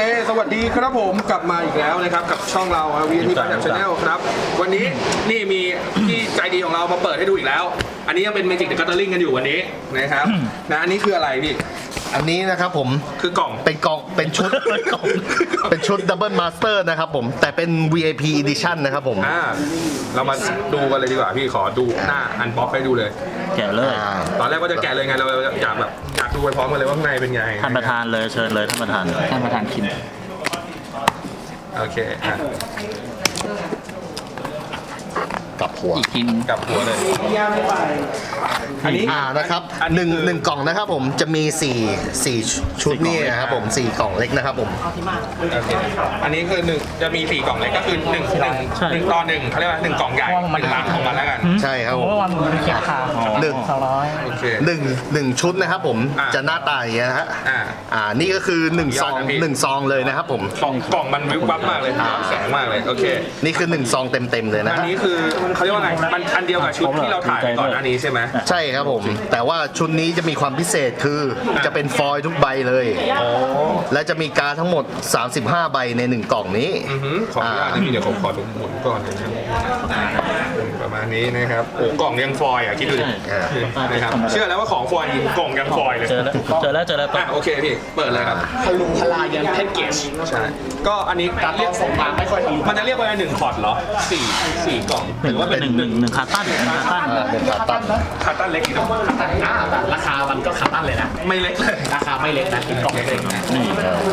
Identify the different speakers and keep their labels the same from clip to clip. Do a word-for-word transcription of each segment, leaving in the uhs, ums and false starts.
Speaker 1: เคสวัสดีครับผมกลับมาอีกแล้วนะครับกับช่องเรา วี เอ็น ที Channel Channel ครับวันนี้นี่มีที่ใจดีของเรามาเปิดให้ดูอีกแล้วอันนี้ยังเป็น Magic the Gathering กันอยู่วันนี้นะครับนะอันนี้คืออะไรพี่
Speaker 2: อันนี้นะครับผม
Speaker 1: คือกล่อง
Speaker 2: เป็นกล่องเป็นชุดเป็นชุด Double Master นะครับผมแต่เป็น วี ไอ พี Edition นะครับผม
Speaker 1: อ่าเรามาดูกันเลยดีกว่าพี่ขอดูหน้าอันบ็อกให้ดูเลย
Speaker 3: แกะเลย
Speaker 1: ตอนแรกว่าจะแกะเลยไงเราอยากแบบอยากดูไปพร้อมกันเลยว่าข้างในเป็นไง
Speaker 3: ท่านประธานเลยเชิญเลยท่านประธานท่านประธานคิม
Speaker 1: โอเคอ่ะ
Speaker 2: กับหัว
Speaker 3: อีกที
Speaker 1: กับหัวเลย
Speaker 2: อันนี้อ่านะครับหนึ่งหนึ่งกล่องนะครับผมจะมีสี่สี่ชุดนี่นะครับผมสี่กล่องเล็กนะครับผม
Speaker 1: โอเคอันนี้คือหนึ่งจะมีสี่กล่องเล็กก็คือหนึ่งหนึ่งหนึ่งต่อหนึ่งเขาเรียกว่าหนึ่งกล่องใหญ่หนึ่งลังของมันแล้วกัน
Speaker 2: ใช่ครับผม
Speaker 4: วันมันเขียนราคา
Speaker 2: หนึ่ง
Speaker 4: สองร้อย
Speaker 2: หนึ่งหนึ่งชุดนะครับผมจะหน้าตาอย่างเงี้ยฮะ
Speaker 1: อ่า
Speaker 2: อ่านี่ก็คือหนึ่งซองหนึ่งซองเลยนะครับผม
Speaker 1: กล่องกล่องมันวิบวับมากเลยแสงมากเลยโอเค
Speaker 2: นี่คือหนึ่งซองเต็มเต็มเลยนะ
Speaker 1: อันนี้คือเขาเรียกว่าไงมันอันเดียวกับชุดที่เราถ่ายก่อนหน้านี้ใช่ไหม
Speaker 2: ใช่ครับผมแต่ว่าชุดนี้จะมีความพิเศษคือจะเป็นฟอยล์ทุกใบเลยและจะมีการ์ดทั้งหมดสามสิบห้าใบในหนึ่งกล่องนี้
Speaker 1: ขออนุญาตนะพี่เดี๋ยวผมขอดูหมุนก่อนนะครับประมาณนี้นะครับโอ้กล่องยังฟอยล์อ่ะคิดดูดินะครับเชื่อแล้วว่าของฟอยล์กล่องยังฟอยล์เลย
Speaker 3: เจอแล้วเจอแล้วเจอแล้ว
Speaker 1: อ่ะโอเคพี่เปิดเลยครับ
Speaker 4: พลุงพลายันแพ็กเกจ
Speaker 1: ใช่ก็อันนี้
Speaker 4: การเรียกส่งมาไม่ค่อยทะลุ
Speaker 1: มันจะเรียกว่าหนึ่งพอร์ตเหรอสี่สี่กล่อง
Speaker 3: หรือว่าเป็นหนึ่งหนึ่งหนึ่งคาตั้นคาตั้น
Speaker 2: เป็นคาตั้น
Speaker 1: คาตั้นเล็กอีกคาตั้น
Speaker 4: อ่าราคามันก็คาตั้นเลยนะ
Speaker 1: ไม่เล็กเลย
Speaker 4: ราคาไม่เล็กนะเป็นกล่องเล็ก
Speaker 3: นี่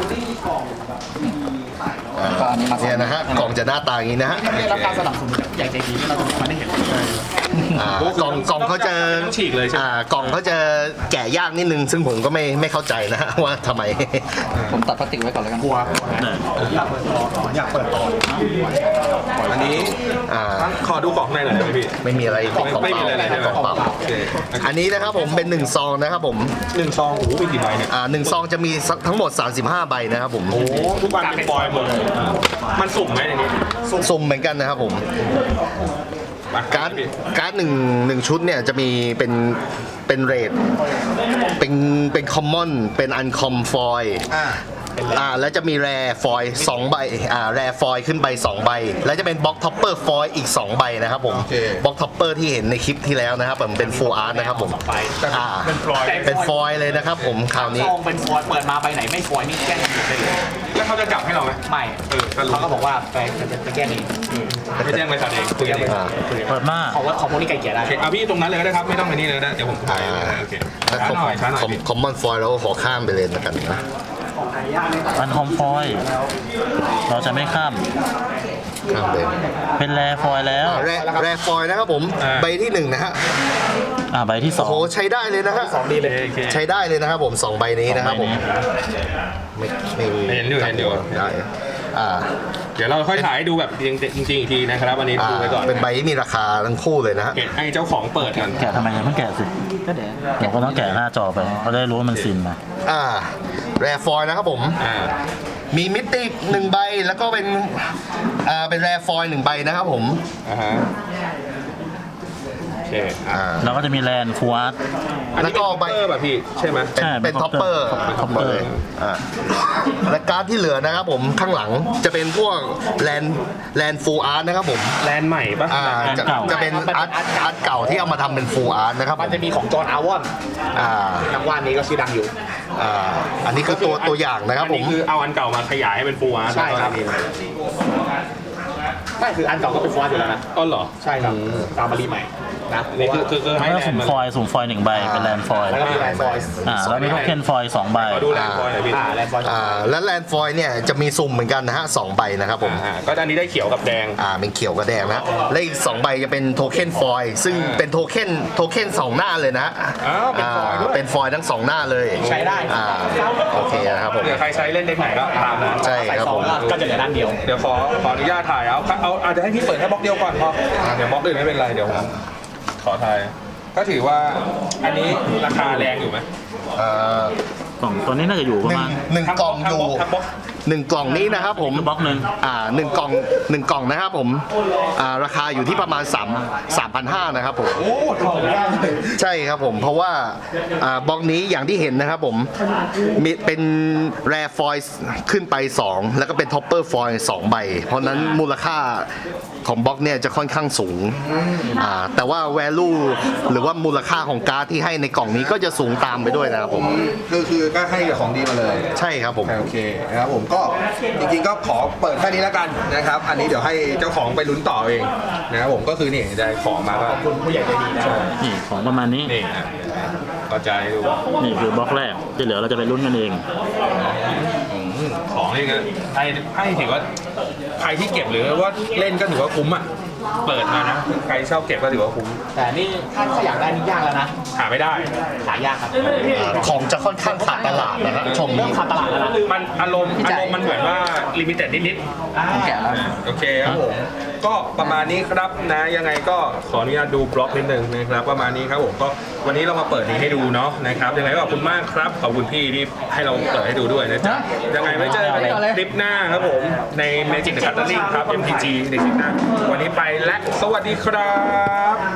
Speaker 2: เนี่ยนะฮะกล่องจะหน้าตาอย่างนี้นะฮะ
Speaker 4: ได้รับการสนับสนุนใหญ่ใจดีที่เราไม่ได้เห็น
Speaker 2: กล่องกล่องเขาจะ
Speaker 1: ฉีกเลยใช่ไหม
Speaker 2: กล่องเขาจะแกะยากนิดนึงซึ่งผมก็ไม่ไม่เข้าใจนะฮะว่าทำไม
Speaker 4: ผมตัดพลาสติกไว้ก่อนแล้วกันกลัวอยากเปิดต่ออยากเปิดต่อ
Speaker 1: อันนี้ขอดูกล่องในหน่อยได้ไหมพี่
Speaker 2: ไม่มีอะไรกล่องเปล่ากล่องเปล่าอันนี้นะครับผมเป็นหนึ่งซองนะครับผม
Speaker 1: หนึ่งซองโอ้โหมีกี่ใบเนี่ย
Speaker 2: อ่าหนึ่งซองจะมีทั้งหมดสามสิบห้าใบนะครับผม
Speaker 1: โอ้ทุกใบเป็นฟอยล์หมดมันสุ่มไหมในนี้
Speaker 2: สุ่มเหมือนกันนะครับผมการ์ดการ์ดหนึ่งหนึ่งชุดเนี่ยจะมีเป็นเป็นเรทเป็นเป็นคอมมอนเป็นอันคอมฟอยอ่าแล้วจะมีแรฟอยสองใบอ่าแรฟอยขึ้นไปสองใบแล้วจะเป็นบล็อกท็อปเปอร์ฟอยอีกสองใบนะครับผมบล็อกท็อปเปอร์ที่เห็นในคลิปที่แล้วนะครับผมเป็นฟูลอาร์ตนะครับผมอ่าเป็นฟอยเลยนะครับผมคราวนี้
Speaker 4: ซองเป็นฟอยเปิดมาใบไหนไม่ฟอยนี่แก้กันหมดเลย
Speaker 1: แล้วเขาจะจับให้เราไหม
Speaker 4: ไม่เออเขาก็บอกว่าไปจะแก้เอง
Speaker 1: ไม่แจ้งบริษัทเองคุยกันเอง
Speaker 3: เปิดมา
Speaker 4: เขาว่าเขาพวกนี้ไกลเกลี่ยได้
Speaker 1: เอาพี่ตรงนั้นเลยก็ได้ครับไม่ต้องไปนี่เลยนะเดี๋ยวผมถ่ายโอเคช้าหน่อยช้าหน่อย
Speaker 2: คอมมอนฟอยแล้วขอข้ามไปเลยแล้วกันนะ
Speaker 3: อันคอมฟอยเราจะไม่ข้าม
Speaker 2: ข้ามเลย
Speaker 3: เป็นแรฟอยแล้ว
Speaker 2: แรแรฟอยนะครับผมใบที่หนึ่งนะฮะ
Speaker 3: อ่าใบที่สอง
Speaker 2: โอ้โหใช้ได้เลยนะฮะ
Speaker 4: สองดีเลย
Speaker 2: ใช้ได้เลยนะครับผมสองใบนี้นะครับผมไม่ไม่
Speaker 1: เห็นอยู่เห็นอยู่
Speaker 2: ได้อ่า
Speaker 1: เดี๋ยวเราค่อยถ่ายให้ดูแบบจริงจริงอีกทีนะครับวันนี้ดูไว้ก่อน
Speaker 2: เป็นใบที่มีราคาทั้งคู่เลยนะฮะ
Speaker 1: ให้เจ้าของเปิดกัน
Speaker 3: แกะทำไมยังไม่แกะสิก็เดี๋ยวเดี๋ยวก็ต้องแกะหน้าจอไปเขาได้รู้ว่ามันซินมา
Speaker 2: อ่าแรฟอยนะครับผม
Speaker 1: อ่า
Speaker 2: มีมิติหนึ่งใบแล้วก็เป็นอ่าเป็นแรฟอยหนึ่งใบนะครับผม
Speaker 1: อ่าฮะโอเค
Speaker 2: อ่า
Speaker 3: เราก็จะมีแลนฟูอาร์ต
Speaker 1: แล้วก็ใบแบบพี่ใช่ไหม
Speaker 2: เป็นท็อปเปอร์ท็อปเปอร์อ่าและการ์ดที่เหลือนะครับผมข้างหลังจะเป็นพวกแลนแลนฟูอาร์ตนะครับผม
Speaker 1: แลนใหม่ปะ
Speaker 2: อ่าจะจะเป็นอาร์ตอาร์ตเก่าที่เอามาทำเป็นฟูอาร์ตนะครับ
Speaker 4: มันจะมีของจอห์นอาวอน
Speaker 2: อ่า
Speaker 4: นักวาดนี้ก็ชื่อดังอยู่
Speaker 2: อ่าอันนี้คือตัวตัวอย่างนะครับผม
Speaker 1: คือเอาอันเก่ามาขยายให้เป็นฟูอาร์ต
Speaker 4: ใช่ครับไม่คืออันเก่าก็เป็นฟูอาร์ตอยู่แล้วนะ
Speaker 1: อ๋อเหรอ
Speaker 4: ใช่ครับตามมารีใหม่นะ
Speaker 1: นี่คือคือคือให้
Speaker 3: สุ่มฟอยสุ่มฟอยหนึ่งใบเป็นแลนฟอย
Speaker 4: แล้วก็มีแลนฟอย
Speaker 3: อ่าแล้วมีโทเค็นฟอยสองใบ
Speaker 1: ดูแลนฟอยหน่อยพี่
Speaker 4: อ่าแลนฟอย
Speaker 2: อ่าและแลนฟอยเนี่ยจะมีสุ่มเหมือนกันนะฮะสองใบนะครับผม
Speaker 1: อ่าก็อันนี้ได้เขียวกับแดง
Speaker 2: อ่าเป็นเขียวกับแดงนะและอีกสองใบจะเป็นโทเค็นฟอยซึ่งเป็นโทเค็นโทเค็นสองหน้าเลยนะ
Speaker 1: อ้าวเป็นฟอยด้วย
Speaker 2: เป็นฟอยทั้งสองหน้าเลย
Speaker 4: ใช้ได้
Speaker 2: อ่าโอเคนะครับผม
Speaker 1: เดี๋ยวใครใช้เล่นเด็กไหนก็ตามนะ
Speaker 2: ใช่ครับผม
Speaker 4: ก็จะเหลือด้านเดียว
Speaker 1: เดี๋ยวขอขออนุญาตถ่ายเอาเอาอาจจะให้พี่เปิดแค่บล็อกเดียวก่อนพอเดี๋ยวบล็อกอื่นไม่เป็นไรเดี๋ยวขอถ่ายก็ถือว่าอันนี้ราคาแรงอยู่ไหม
Speaker 2: เอ่อก
Speaker 3: ล่องตัวนี้น่าจะอยู่ประมาณ
Speaker 2: หนึ่งกล่องอยู่หนึ่งกล่องนี้นะครับผม
Speaker 3: บล็อกหนึ่ง
Speaker 2: อ่าหนึ่งกล่องหนึ่งกล่องนะครับผมอ่าราคาอยู่ที่ประมาณ3 3,500นะครับผม
Speaker 1: โอ้ทองได้เลย
Speaker 2: ใช่ครับผมเพราะว่าอ่าบล็อกนี้อย่างที่เห็นนะครับผมมีเป็นแรร์ฟอยล์ขึ้นไปสองแล้วก็เป็นท็อปเปอร์ฟอยล์สองใบ เพราะนั้นมูลค่าของบล็อกเนี่ยจะค่อนข้างสูงอ่าแต่ว่า value หรือว่ามูลค่าของการ์ดที่ให้ในกล่องนี้ก็จะสูงตามไปด้วยนะครับผม
Speaker 1: คือคือก็ให้ของดีมาเลย
Speaker 2: ใช่ครับผม
Speaker 1: โอเคนะครับผมก็จริงๆก็ขอเปิดแค่นี้แล้วกันนะครับ อันนี้เดี๋ยวให้เจ้าของไปลุ้นต่อเองนะครับผมก็คือนี่ได้ของมาก็คุณผู้ใหญ่ใจดีนะ
Speaker 3: นี่ของประมาณนี้
Speaker 1: นี่นะก็จะให้ดู
Speaker 3: นี่คือบล็อกแรกที่เหลือเราจะไปลุ้นกันเอง
Speaker 1: อืมของนี่ก็ให้ให้ถือว่าใครที่เก็บหรือว่าเล่นก็ถือว่าคุ้มอ่ะเปิดมานะใครชอบเก็บก็ถือว่าคุ้ม
Speaker 4: แต่นี่ถ้าถ้าอยากได้นี่ยากแล้วนะ
Speaker 1: หาไม่ได้
Speaker 4: หายากครับ
Speaker 2: ของจะค่อนข้างขาดตลาดนะครับชม
Speaker 4: เริ่มขาดตลาดแล้วนะ
Speaker 1: มันอารมณ์
Speaker 4: พี่
Speaker 1: อา
Speaker 4: ใจ
Speaker 1: รมณ์มันเหมือนว่าลิมิเต็ดนิด
Speaker 4: ผมแกะแล้ว
Speaker 1: ๆโอเคครับผมก็ประมาณนี้ครับนะยังไงก็ขออนุญาตดูบล็อกนิดนึงนะครับประมาณนี้ครับผมก็วันนี้เรามาเปิดนี้ให้ดูเนาะนะครับยังไงก็ขอบคุณมากครับขอบคุณพี่ที่ให้เราเปิดให้ดูด้วยนะจ๊ะยังไงไว้เจอกันในคลิปหน้าครับผมใน Magic the Gathering ครับ เอ็ม ที จี ในคลิปหน้าวันนี้ไปและสวัสดีครับ